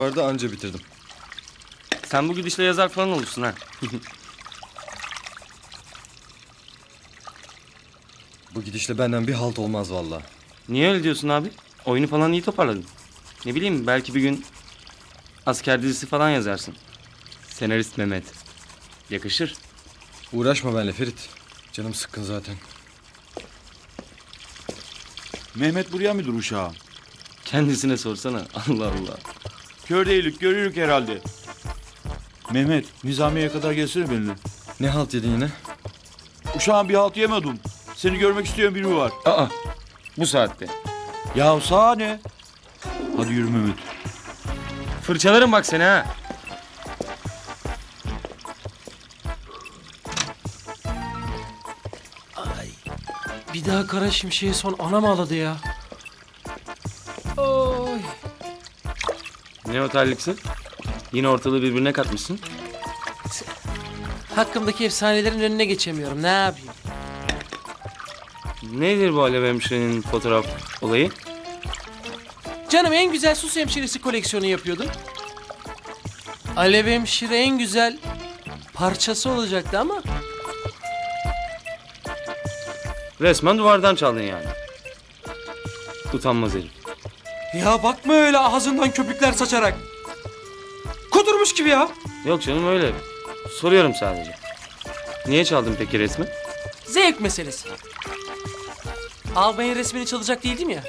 Vardı anca bitirdim. Sen bu gidişle yazar falan olursun ha. Bu gidişle benden bir halt olmaz vallahi. Niye öyle diyorsun abi? Oyunu falan iyi toparladın. Ne bileyim belki bir gün asker dizisi falan yazarsın. Senarist Mehmet. Yakışır. Uğraşma benimle Ferit. Canım sıkkın zaten. Mehmet buraya mıdır uşağım? Kendisine sorsana. Allah Allah. Kör değilik, görürük herhalde. Mehmet, Nizamiye'ye kadar gelsene benimle. Ne halt yedin yine? Uşağım bir halt yemedim. Seni görmek isteyen biri var. Aa, bu saatte. Ya sana ne? Hadi yürü Mehmet. Fırçalarım bak seni ha. Bir daha Kara Şimşek'e son anam ağladı ya. Oy. Ne otelliksin? Yine ortalığı birbirine katmışsın. Hakkımdaki efsanelerin önüne geçemiyorum. Ne yapayım? Nedir bu Alev Hemşire'nin fotoğraf olayı? Canım en güzel sus hemşiresi koleksiyonu yapıyordum. Alev hemşire en güzel parçası olacaktı ama... Resmen duvardan çaldın yani. Utanmaz herif. Ya bakma öyle ağzından köpükler saçarak. Kudurmuş gibi ya. Yok canım öyle. Soruyorum sadece. Niye çaldın peki resmi? Zevk meselesi. Albayın resmini çalacak değildim ya.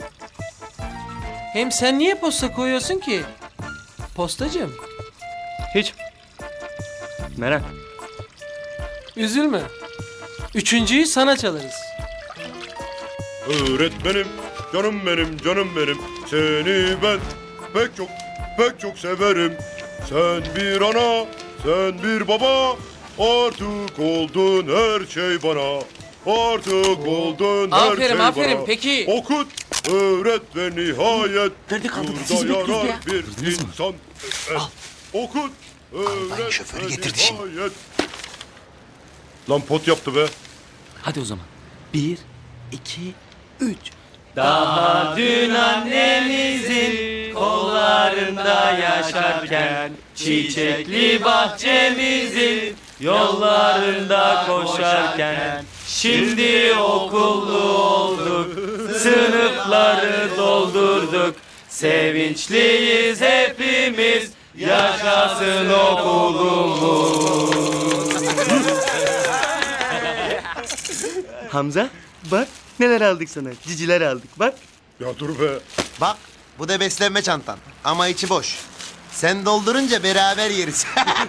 Hem sen niye posta koyuyorsun ki? Postacığım. Hiç. Merak. Üzülme. Üçüncüyü sana çalarız. Öğretmenim, canım benim, canım benim. Seni ben pek çok severim. Sen bir ana, sen bir baba. Artık oldun her şey bana. Artık oldun her Aferin, şey aferin. bana. Peki. Okut, öğret ve nihayet. Nerede kaldık? burada Sizi bekliyoruz yarar bir insan. Okut, öğret şoförü ve getirdi şimdi. nihayet. Lan pot yaptı be. Hadi o zaman. 1, 2, 3. Daha dün annemizin kollarında yaşarken çiçekli bahçemizin yollarında koşarken şimdi okullu olduk, sınıfları doldurduk. Sevinçliyiz hepimiz, yaşasın okulumuz. Hamza, bak neler aldık sana. Ciciler aldık, bak. Ya dur be. Bak bu da beslenme çantan ama içi boş. Sen doldurunca beraber yeriz.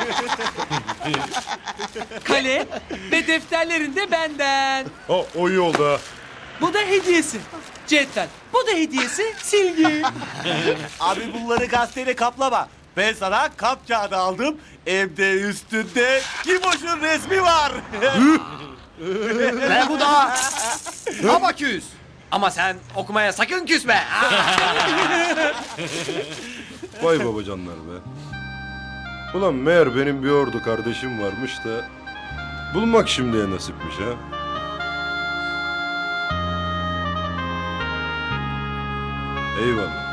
Kale ve defterlerin de benden. Ha, o iyi oldu ha. Bu da hediyesi. Cetvel. Bu da hediyesi. Silgi. Abi bunları gazeteyle kaplama. Ben sana kap kağıdı aldım. Hem de üstünde Kimoş'un resmi var. Ve bu da Abaküs. Ama sen okumaya sakın küsme. Vay babacanlar be. Ulan meğer benim bir ordu kardeşim varmış da bulmak şimdiye nasipmiş ha. Eyvallah.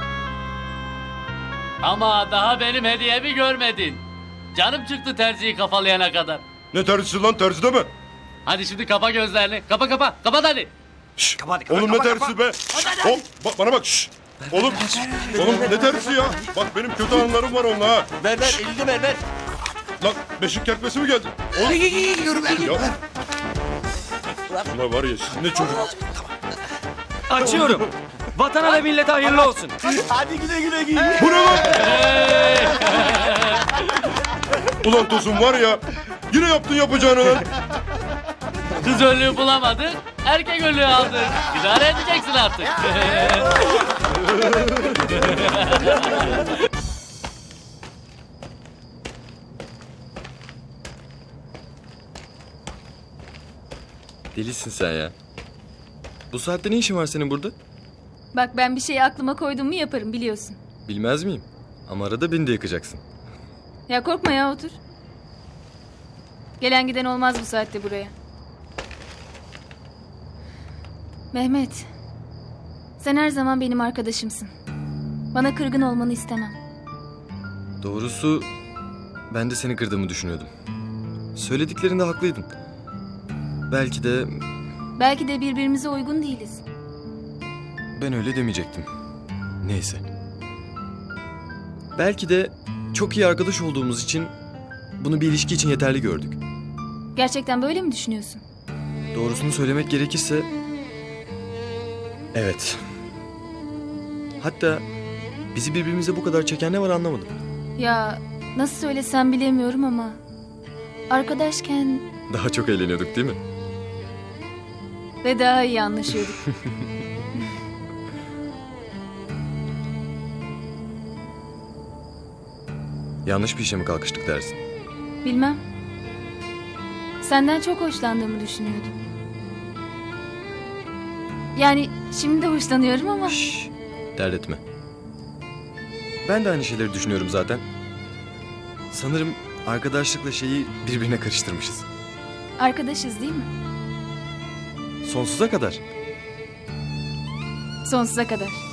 Ama daha benim hediyemi görmedin. Canım çıktı terziyi kafalayana kadar. Ne terzisi lan, terzi deme. Hadi şimdi kapa gözlerini. Kapat hadi. Şşş, Kapat, oğlum ne kapat, terzisi be. Hop, bana bak şşş. Oğlum ne terzisi ya. Bak benim kötü anılarım var onunla ha. Ver elini ver. Lan beşik kertmesi mi geldi? Oğlum. Ya. Ulan var ya siz ne çocuk. Açıyorum. Vatana ve millete hayırlı olsun. Hadi güle giy. Bu ne lan? Ulan Tosun var ya. Yine yaptın yapacağını lan. Kız önlüğü bulamadık. Erkek önlüğü aldık. İdare edeceksin artık. Delisin sen ya. Bu saatte ne işin var senin burada? Bak ben bir şeyi aklıma koydum mu yaparım biliyorsun. Bilmez miyim? Ama arada beni de yakacaksın. Ya korkma ya otur. Gelen giden olmaz bu saatte buraya. Mehmet. Sen her zaman benim arkadaşımsın. Bana kırgın olmanı istemem. Doğrusu ben de seni kırdığımı düşünüyordum. Söylediklerinde haklıydın. Belki de birbirimize uygun değiliz. Ben öyle demeyecektim. Neyse. Belki de çok iyi arkadaş olduğumuz için bunu bir ilişki için yeterli gördük. Gerçekten böyle mi düşünüyorsun? Doğrusunu söylemek gerekirse... Evet. Hatta bizi birbirimize bu kadar çeken ne var anlamadım. Ya nasıl söylesem bilemiyorum ama... Arkadaşken Daha çok eğleniyorduk değil mi? ve daha iyi anlaşıyorduk. Yanlış bir işe mi kalkıştık dersin? Bilmem. Senden çok hoşlandığımı düşünüyordum. Yani şimdi de hoşlanıyorum ama... Şşş, dert etme. Ben de aynı şeyleri düşünüyorum zaten. Sanırım arkadaşlıkla şeyi birbirine karıştırmışız. Arkadaşız değil mi? Sonsuza kadar. Sonsuza kadar.